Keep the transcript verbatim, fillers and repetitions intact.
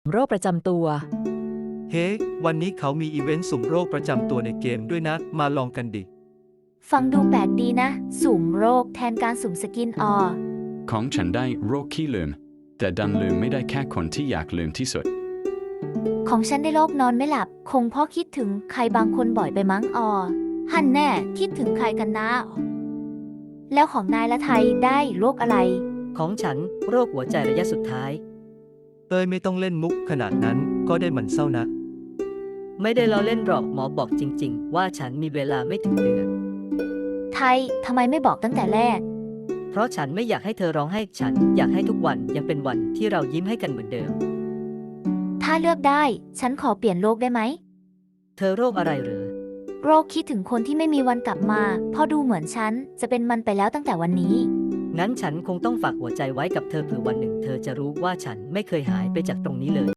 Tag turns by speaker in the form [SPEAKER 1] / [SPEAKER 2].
[SPEAKER 1] โรคประจำตัว
[SPEAKER 2] เฮ้ วันนี้เขามีอีเวนต์สุ่มโรคประจำตัวในเกมด้วยนะ มาลองกันดิ
[SPEAKER 3] ฟังดูแปลกดีนะ สุ่มโรคแทนการสุ่มสกินออ
[SPEAKER 4] ของฉันได้โรคขี้ลืม แต่ดันลืมไม่ได้แค่คนที่อยากลืมที่สุด
[SPEAKER 3] ของฉันได้โรคนอนไม่หลับ คงเพราะคิดถึงใครบางคนบ่อยไปมั้งออฮันแน่คิดถึงใครกันนะ แล้วของนายละไทยได้โรคอะไร
[SPEAKER 1] ของฉันโรคหัวใจระยะสุดท้าย
[SPEAKER 2] เต้ยไม่ต้องเล่นมุกขนาดนั้นก็ได้มันเศร้านะ
[SPEAKER 1] ไม่ได้ล้อเล่นหรอกหมอบอกจริง ๆ ว่าฉันมีเวลาไม่ถึงเดือน
[SPEAKER 3] ไทยทำไมไม่บอกตั้งแต่แรก
[SPEAKER 1] เพราะฉันไม่อยากให้เธอร้องไห้ฉันอยากให้ทุกวันยังเป็นวันที่เรายิ้มให้กันเหมือนเดิม
[SPEAKER 3] ถ้าเลือกได้ ฉันขอเปลี่ยนโรคได้ไหม
[SPEAKER 1] เธอโรคอะไรเหรอ
[SPEAKER 3] โรคคิดถึงคนที่ไม่มีวันกลับมาเพอดูเหมือนฉันจะเป็นมันไปแล้วตั้งแต่วันนี้
[SPEAKER 1] งั้นฉันคงต้องฝากหัวใจไว้กับเธอเผื่อวันหนึ่งเธอจะรู้ว่าฉันไม่เคยหายไปจากตรงนี้เลย